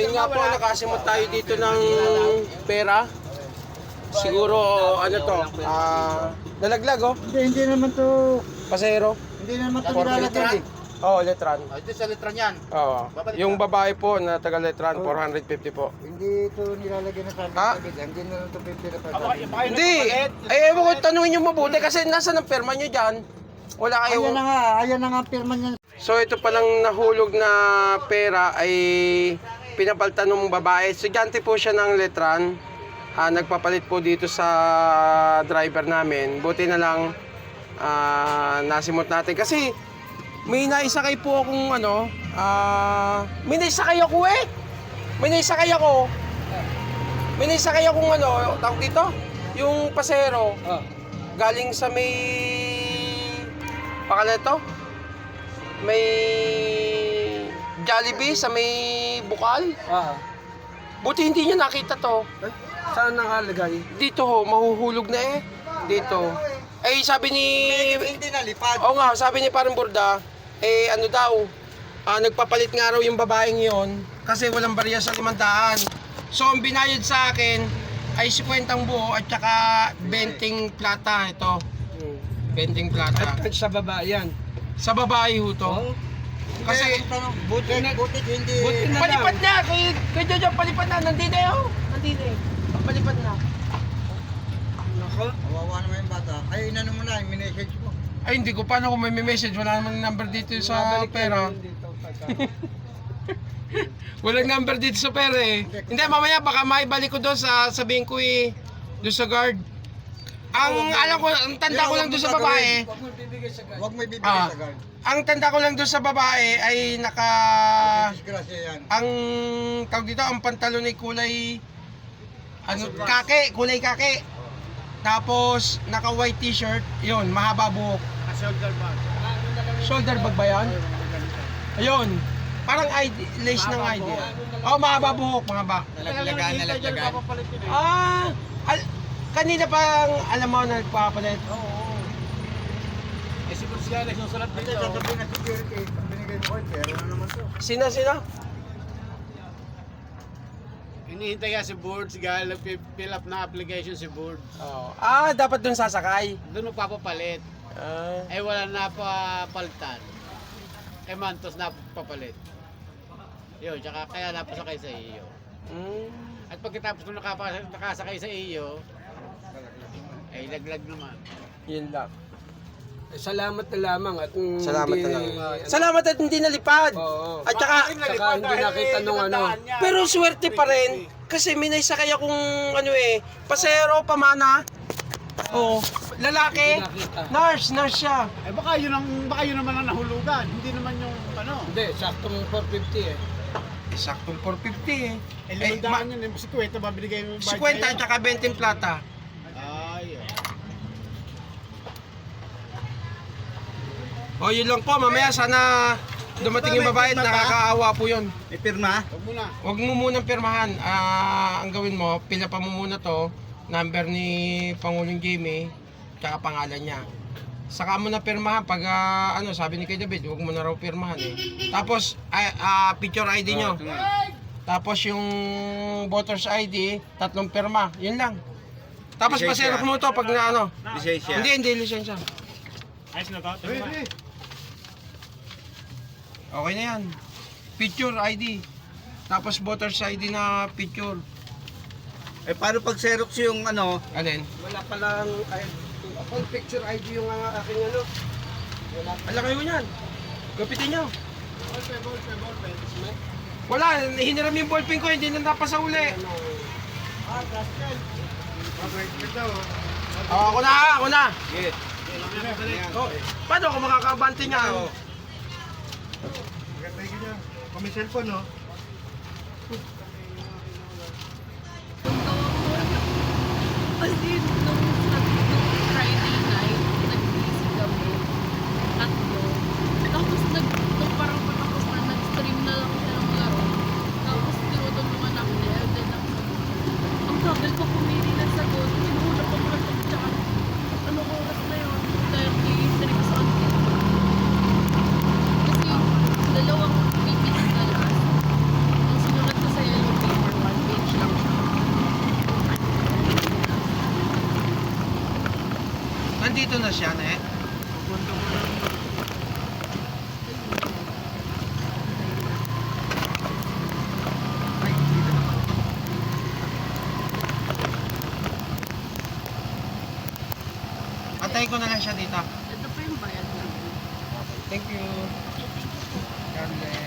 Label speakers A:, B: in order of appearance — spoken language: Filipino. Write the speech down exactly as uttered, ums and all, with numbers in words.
A: Ayun nga po, nakasimot tayo dito ng pera. Siguro, ano to, ah, nalaglag oh.
B: Hindi, hindi naman to,
A: Pasero.
B: hindi naman to
A: For
B: nilalagyan eh.
A: Oo, oh, letran.
C: Oh, ito sa letran yan.
A: Oo. Yung babae po na taga letran, four hundred fifty po.
B: Hindi to nilalagyan na sabi
A: Ha?
B: sa gilid. Hindi na lang to fifty na
C: Aba,
B: pagkain.
C: baka yun
A: Hindi!
C: nagpapalit.
A: Ay, ewan ko, tanungin nyo mabuti kasi nasa ng perma nyo dyan. Wala kayo.
B: Ayan na nga, ayan na nga ang pirma niya.
A: So ito palang nahulog na pera ay pinapalitan ng babae. Estudyante po siya ng letran. Ah, nagpapalit po dito sa driver namin. Buti na lang ah, nasimot natin. Kasi may naisakay po akong ano, ah, may naisakay ako eh. May naisakay ako. May naisakay akong ano, tawag dito, yung pasero.
B: Oh.
A: Galing sa may pakala ito. May Jollibee sa may Bukal.
B: Ah.
A: Buti hindi niya nakita to.
B: Saan nakalagay?
A: Dito ho, mahuhulog na eh. Dito. Eh sabi ni...
B: Hindi nalipad.
A: Oo nga, sabi ni parang Burda, eh ano daw, ah, nagpapalit nga raw yung babaeng yon kasi walang barya sa limandaan. So ang binayad sa akin ay fifty buo at saka twenty plata ito. twenty plata.
B: At sa baba yan.
A: Sa babae ho to. Kasi
B: buti na, buti hindi. Buti na
A: palipad na, kay, kay Jojo, palipad na, nandito eh oh. Nandito eh. Palipad na.
B: Nako, kawawa naman yung bata. Ay, inano mo na, yung minessage mo.
A: Ay hindi ko, paano kung may message, wala namang number dito sa pera. Walang number dito sa pera eh. Hindi, mamaya baka maibalik ko doon sa sabihin ko eh, doon sa guard. Ang alam ko, ang tanda ko lang doon sa babae,
B: Huwag mo ibibigay sa guard. Huwag mo ibibigay
A: ah,
B: sa guard.
A: ang tanda ko lang doon sa babae ay naka,
B: Disgrasya yan.
A: ang tawag dito, ang pantalon ay kulay, ano, kake, kulay kake. Tapos, naka white t-shirt, yun, mahaba buhok.
C: Shoulder bag.
A: Shoulder bag ba yan? Ayun. Parang I D, lace ng I D. Oh, mahaba buhok, mahaba.
C: Nalaglagan, nalaglagan.
A: Ah, al kanina pang alam mo na nagpapalit.
C: Oo. Eh, si Bruce Gales, yung sulat
B: Kasi
C: dito.
B: sasabihin na security, pag binigay mo ko, pero na naman to.
A: Sina, sina?
C: Hinihintay nga si Board, si Gal, nag-fill up na application si Board.
A: Oh. Ah, dapat dun sasakay.
C: Doon magpapapalit.
A: Ah.
C: Eh, wala na papalitan. Kay Mantos na papalit. Yun, tsaka kaya napasakay sa iyo.
A: Mm.
C: At pagkatapos nung nakapa- nakasakay sa iyo, ay laglag naman.
A: Yun lang.
B: Salamat na lamang at mm,
A: Salamat
B: hindi-
A: na lang. Salamat at hindi nalipad.
B: Oo.
A: At saka,
B: Saka hindi nakita nung ano.
A: pero swerte pa rin. Kasi may naisakay akong ano eh, pasero, pamana. Oh, lalaki. Nurse, nurse siya.
C: Eh baka yun ang baka yun naman ang nahulugan, hindi naman yung ano.
B: Hindi, saktong four fifty eh.
A: Saktong four fifty eh.
C: Eh,
A: Eh, ma-
C: limandaan yun, eh, si Kuweta ba binigay mo?
A: fifty at saka twenty plata.
C: Ay,
A: O yun lang po, mamaya sana dumating yung babae at nakakaawa po yun.
B: May pirma?
C: huwag mo na.
A: Huwag mo munang pirmahan. Ah, ang gawin mo, pila pa mo muna to, number ni Pangulong Jamie, tsaka pangalan niya. Saka mo na pirmahan pag ah, ano, sabi ni kay David, huwag mo na raw pirmahan eh. Tapos ah, ah, picture I D nyo. Tapos yung voters I D, tatlong pirma. Yun lang. Tapos pasero mo to pag na ano.
B: Lisensya.
A: Hindi, hindi lisensya.
C: Ayos na to.
A: Okay na yan. Picture I D. Tapos voters I D na picture.
B: Eh paano pag Xerox yung ano?
A: Alin?
B: Wala palang ay, full picture I D yung uh, aking ano. Wala.
A: Ala kayo yan. Gapitin nyo.
C: Ballpen, ballpen, ballpen.
A: Wala, hiniram yung ballpen ko, hindi na napasa uli.
C: Ah, Gastel.
A: Oh, ako na, ako na.
B: Yes.
A: Oh, paano ako makakabante niya?
B: Kami cellphone no?
D: Kasi nung, nung Friday night, nag-busy kami. Tatlo. Tapos nag, nung parang patapos na, nag-stream na lang siya ng laro. Tapos tinutulungan namin ni Elden ng sagot. Ang tagal ko pumili ng sagot. Sinuhulap ako na pag-chat. Anong oras na yun? thirty-three something. Kasi dalawang meetings na last. Ang sinulat ko sa'yo
A: Nandito na siya, ne? Antayin ko na lang siya dito.
D: Ito pa yung bayad namin.
A: Thank you. God bless.